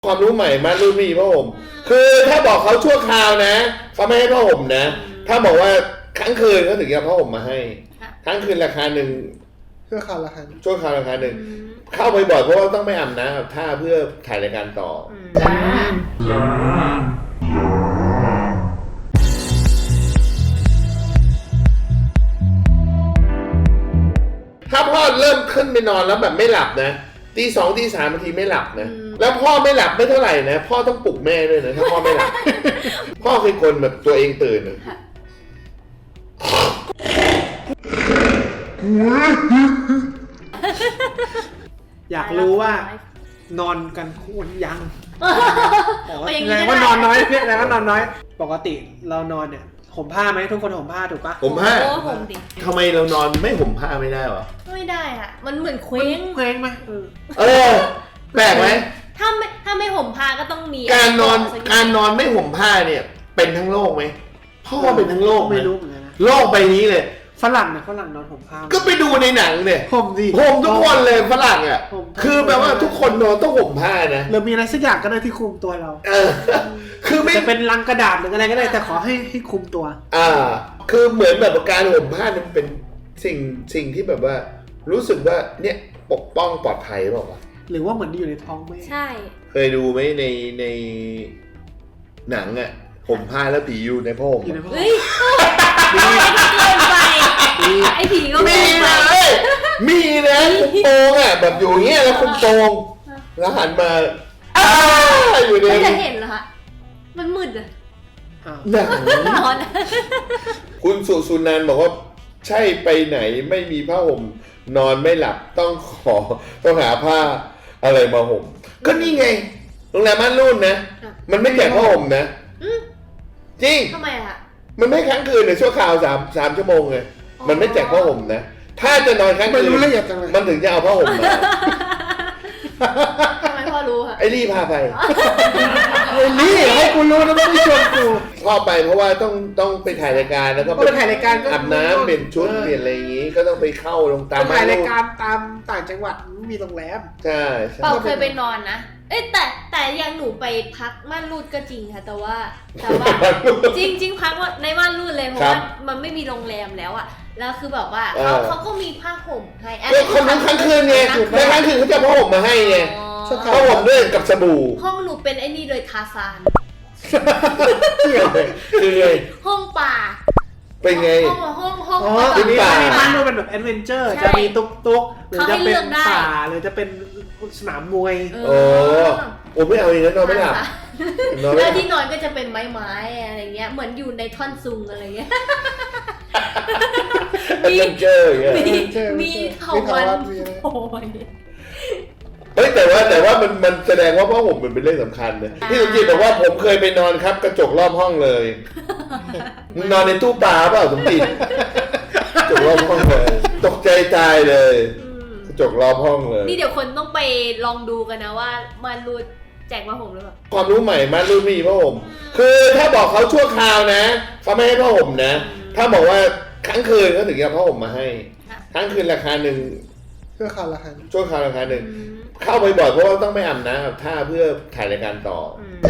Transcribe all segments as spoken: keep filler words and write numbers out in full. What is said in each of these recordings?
ความรู้ใหม่มารุ่นมีผ้าห่มคือถ้าบอกเขาชั่วคราวนะเขาไม่ให้ผ้าห่มนะถ้าบอกว่าครั้งคืนเขาถึงจะผ้าห่มมาให้ครั้งคืนราคาหนึ่งชั่วคราวราคาชั่วคราวราคาหนึ่งเข้าไปบ่อยเพราะว่าต้องไม่อาบน้ำอาบท่าเพื่อถ่ายรายการต่อถ้าพ่อเริ่มขึ้นไปนอนแล้วแบบไม่หลับนะตีสองตีสามบางทีไม่หลับนะแล้วพ่อไม่หลับไม่เท่าไหร่นะพ่อต้องปลุกแม่ด้วยนะถ้าพ่อไม่หลับ พ่อคือคนแบบตัวเองตื่นนะอยากรู้ว่านอนกันคู่ยังแสดงว่านอนน้อยเนี่ยแสดงว่านอนน้อยปกติเรานอนเนี่ยห่มผ้าไหมทุกคนห่มผ้าถูกปะห่มผ้าห่มดิทำไมเรานอนไม่ห่มผ้าไม่ได้วะไม่ได้ค่ะมันเหมือนเคว้งเคว้งไหมเออแปลกไหมถ้าไม่ถ้าไม่ห่มผ้าก็ต้องมีการนอนการนอนไม่ห่มผ้าเนี่ยเป็นทั้งโลกไหมพ่อเป็นทั้งโลกไม่รู้เหมือนกันนะโลกใบนี้เลยฝรั่งนะฝรั่งนอนห่มผ้าก็ไปดูในหนังเนี่ยห่มดิห่มทุกคนเลยฝรั่งอ่ะคือแปลว่าทุกคนนอนต้องห่มผ้านะหรือมีอะไรสักอย่างก็ได้ที่คุมตัวเราเออคือไม่จะเป็นลังกระดาษหรืออะไรก็ได้แต่ขอให้ให้คุมตัวอ่าคือเหมือนแบบการห่มผ้ามันเป็นสิ่งสิ่งที่แบบว่ารู้สึกว่าเนี่ยปกป้องปลอดภัยเปล่าวะหรือว่าเหมือนอยู่ในท้องแม่ใช่เคยดูไหมในในหนังอ่ะห่มผ้าแล้วผีอยู่ในผ้าห่มเฮ้ยเกินไปไอ้ผีก็มีเลยมีนะคุมโปงอ่ะแบบอยู่เงี้ยแล้วคุมโปงแล้วหันมาอ้าอยู่ในไม่จะเห็นเหรอคะมันมืดอะหนังนอนคุณสุสุนันท์บอกว่าใช่ไปไหนไม่มีผ้าห่มนอนไม่หลับต้องขอต้องหาผ้าอะไรมาห่มก็นี่ไงโรงแรมม่านรูดนะมันไม่แจกผ้าห่มนะจริงทำไมอะมันไม่ค้างคืนในชั่วคราวสามสามชั่วโมงไงมันไม่แจกผ้าห่มนะถ้าจะนอนค้างคืนมันถึงจะเอาผ้าห่มมาทำไมพ่อรู้ค่ะไอ้ลี่พาไปไอ้ลี่ให้กูรู้นะไม่ได้ชวนกูพ่อไปเพราะว่าต้องต้องไปถ่ายรายการแล้วก็ไปถ่ายรายการอาบน้ำเปลี่ยนชุดเปลี่ยนอะไรอย่างงี้ก็ต้องไปเข้าลงตามถ่ายรายการตามต่างจังหวัดไม่มีโรงแรมใช่เปาเคยไปนอนนะเอ้แต่แต่ยังหนูไปพักม่านรูดก็จริงค่ะแต่ว่าแต่ว่าจริงจริงพักว่าในม่านรูดเลยเพราะว่ามันไม่มีโรงแรมแล้วอ่ะแล้วคือแบบว่าเขาเขาก็มีผ้าห่มให้ก็คนทั้งค้างคืนไงในค้างคืนเขาจะผ้าห่มมาให้ไงผ้าห่มด้วยกับสบู่ห้องหนูเป็นไอ้นี่เลยทาซานคือไงห้องป่าเป็นไงห้องห้องห้องอ๋อทีนี้ม่านรูดเป็นแบบแอดเวนเจอร์จะมีตุ๊กตุ๊กหรือจะเป็นป่าหรือจะเป็นสนามมวยโอ้โอ้ไม่เอาอย่างนั้นนอนไม่หลับแล้วที่นอนก็จะเป็นไม้ไม้อะไรเงี้ยเหมือนอยู่ในท่อนซุงอะไรเงี้ยมีเจออย่างเงี้ยมีเถาวันโอ้ยเฮ้ยแต่ว่าแต่ว่ามันมันแสดงว่าผ้าห่มมันเป็นเรื่องสำคัญนะพี่สมจิตบอกว่าผมเคยไปนอนครับกระจกรอบห้องเลยมึงนอนในตู้ปลาเปล่าสมจิตกระจกรอบห้องเลยตกใจตายเลยกระจกรอบห้องเลยนี่เดี๋ยวคนต้องไปลองดูกันนะว่ามันรูดแจกผ้าห่มหรือเปล่าความรู้ใหม่มารุ่นมีผ้าห่มคือถ้าบอกเขาชั่วคราวนะเขาไม่ให้ผ้าห่มนะถ้าบอกว่าครั้งคืนเขาถึงจะผ้าห่มมาให้ครั้งคืนราคาหนึ่งชั่วคราวราคาชั่วคราวราคาหนึ่งเข้าไปบ่อยเพราะว่าต้องไม่อาบน้ำอาบท่าเพื่อถ่ายรายการต่อ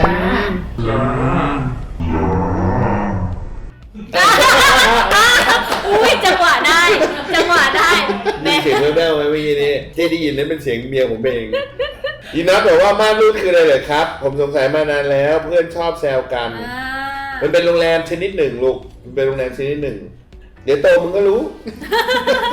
อุ้ยจังหวะได้จังหวะได้มีเสียงแว่วๆไหมเมื่อกี้นี้เจได้ยินนั่นเป็นเสียงเมียผมเองยินนะบอกว่าม่านรูดคืออะไรเหรอครับผมสงสัยมานานแล้วเพื่อนชอบแซวกันมันเป็นโรงแรมชนิดหนึ่งลูกมันเป็นโรงแรมชนิดหนึ่งเดี๋ยวโตมึงก็รู้